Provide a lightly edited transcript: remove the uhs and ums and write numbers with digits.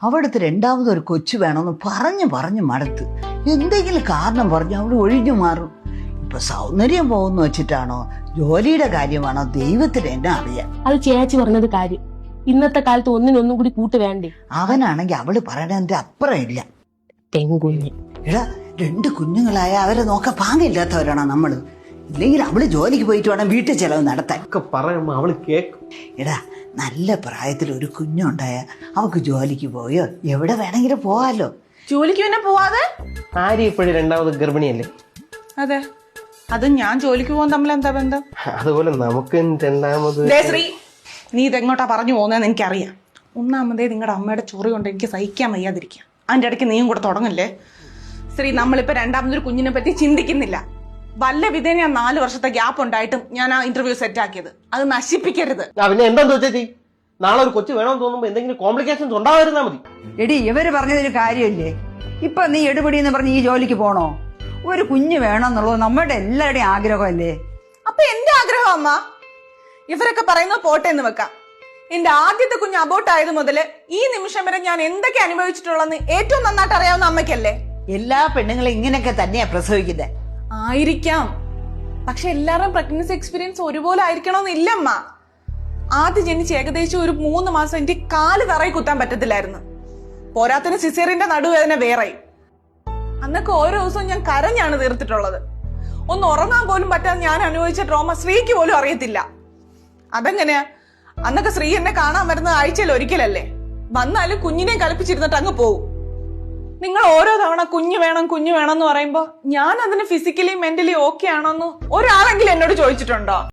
അവിടുത്തെ രണ്ടാമതൊരു കൊച്ചു വേണമെന്ന് പറഞ്ഞു മടുത്ത്. എന്തെങ്കിലും കാരണം പറഞ്ഞ് അവൾ ഒഴിഞ്ഞു മാറും. ഇപ്പൊ സൗന്ദര്യം പോകുന്നു വെച്ചിട്ടാണോ ജോലിയുടെ കാര്യമാണോ ദൈവത്തിന് എന്നെ അറിയാം. അത് ചേച്ചി പറഞ്ഞത് കാര്യം. ഇന്നത്തെ കാലത്ത് ഒന്നിനൊന്നും കൂടി കൂട്ട് വേണ്ടേ? അവനാണെങ്കിൽ അവള് പറയണതിന്റെ അപ്പുറം ഇല്ല. പെൺകുഞ്ഞ് എടാ, 2 കുഞ്ഞുങ്ങളായ അവരെ നോക്കാൻ പാങ്ങില്ലാത്തവരാണോ നമ്മള്? ഇല്ലെങ്കിൽ അവള് ജോലിക്ക് പോയിട്ട് വേണം വീട്ടിൽ ചെലവ് നടത്താൻ. പറയുമ്പോ അവള് കേക്കും. എടാ, നല്ല പ്രായത്തിൽ ഒരു കുഞ്ഞുണ്ടായ അവക്ക് ജോലിക്ക് പോയോ എവിടെ വേണമെങ്കിലും പോവാലോ. ജോലിക്ക് പിന്നെ പോവാതെ? ആര്യ ഇപ്പോഴും 2ാമത് ഗർഭിണിയല്ലേ? അതെ, അത് ഞാൻ ജോലിക്ക് പോകാൻ തമ്മിൽ എന്താ ബന്ധം? അതുപോലെ നമുക്ക് 2ാമത്. ശ്രീ, നീ ഇതെങ്ങോട്ടാ പറഞ്ഞു പോകുന്നതെന്ന് എനിക്കറിയാം. ഒന്നാമതേ നിങ്ങളുടെ അമ്മയുടെ ചൊറി കൊണ്ട് എനിക്ക് സഹിക്കാൻ വയ്യാതിരിക്കാം. അതിന്റെ ഇടയ്ക്ക് നീയും കൂടെ തുടങ്ങല്ലേ. ശ്രീ, നമ്മളിപ്പോ 2ാമതൊരു കുഞ്ഞിനെ പറ്റി ചിന്തിക്കുന്നില്ല. വല്ല വിധേന 4 വർഷത്തെ ഗ്യാപ്പ് ഉണ്ടായിട്ടും ഞാൻ ആ ഇന്റർവ്യൂ സെറ്റ് ആക്കിയത്. അത് നശിപ്പിക്കരുത്. പിന്നെ എന്താന്ന് വെച്ചേച്ചി, നാളെ ഒരു കൊച്ചു വേണമെന്ന് തോന്നുമ്പോ എന്തെങ്കിലും കോംപ്ലിക്കേഷൻസ് ഉണ്ടാവാതിരുന്നാ മതി. എടി, ഇവര് പറഞ്ഞതൊരു കാര്യമില്ലേ? ഇപ്പൊ നീ എടുപിടി എന്ന് പറഞ്ഞ് ഈ ജോലിക്ക് പോണോ? ഒരു കുഞ്ഞ് വേണമെന്നുള്ളത് നമ്മുടെ എല്ലാവരുടെയും ആഗ്രഹമല്ലേ? അപ്പൊ എന്റെ ആഗ്രഹം അമ്മ, ഇവരൊക്കെ പറയുന്നത് പോട്ടെ എന്ന് വെക്കാം. എന്റെ ആദ്യത്തെ കുഞ്ഞ് അബോട്ട് ആയത് മുതല് ഈ നിമിഷം വരെ ഞാൻ എന്തൊക്കെ അനുഭവിച്ചിട്ടുള്ളതെന്ന് ഏറ്റവും നന്നായിട്ട് അറിയാവുന്ന അമ്മയ്ക്കല്ലേ? എല്ലാ പെണ്ണുങ്ങളും ഇങ്ങനെയൊക്കെ തന്നെയാ പ്രസവിക്കുന്നത്. ആയിരിക്കാം, പക്ഷെ എല്ലാവരുടെയും പ്രഗ്നൻസി എക്സ്പീരിയൻസ് ഒരുപോലെ ആയിരിക്കണമെന്നില്ല അമ്മ. ആദ്യം ജനിച്ച് ഏകദേശം ഒരു 3 മാസം എനിക്ക് കാല് തറയിൽ കുത്താൻ പറ്റത്തില്ലായിരുന്നു. പോരാത്തിന് സിസേറിയന്റെ നടുവേദന വേറെ. അന്നൊക്കെ ഓരോ ദിവസവും ഞാൻ കരഞ്ഞാണ് തീർത്തിട്ടുള്ളത്. ഒന്ന് ഉറങ്ങാൻ പോലും പറ്റാതെ ഞാൻ അനുഭവിച്ച ട്രോമ ശ്രീക്ക് പോലും അറിയത്തില്ല. അതെങ്ങനെയാ? അന്നൊക്കെ ശ്രീ എന്നെ കാണാൻ വരുന്നത് ആഴ്ചയിൽ ഒരിക്കലല്ലേ. വന്നാലും കുഞ്ഞിനെ കളിപ്പിച്ചിരുന്നിട്ട് അങ്ങ് പോവും. നിങ്ങൾ ഓരോ തവണ കുഞ്ഞു വേണം എന്ന് പറയുമ്പോ ഞാൻ അതിന് ഫിസിക്കലി മെന്റലി ഓക്കെ ആണോന്ന് ഒരാളെങ്കിലും എന്നോട് ചോദിച്ചിട്ടുണ്ടോ?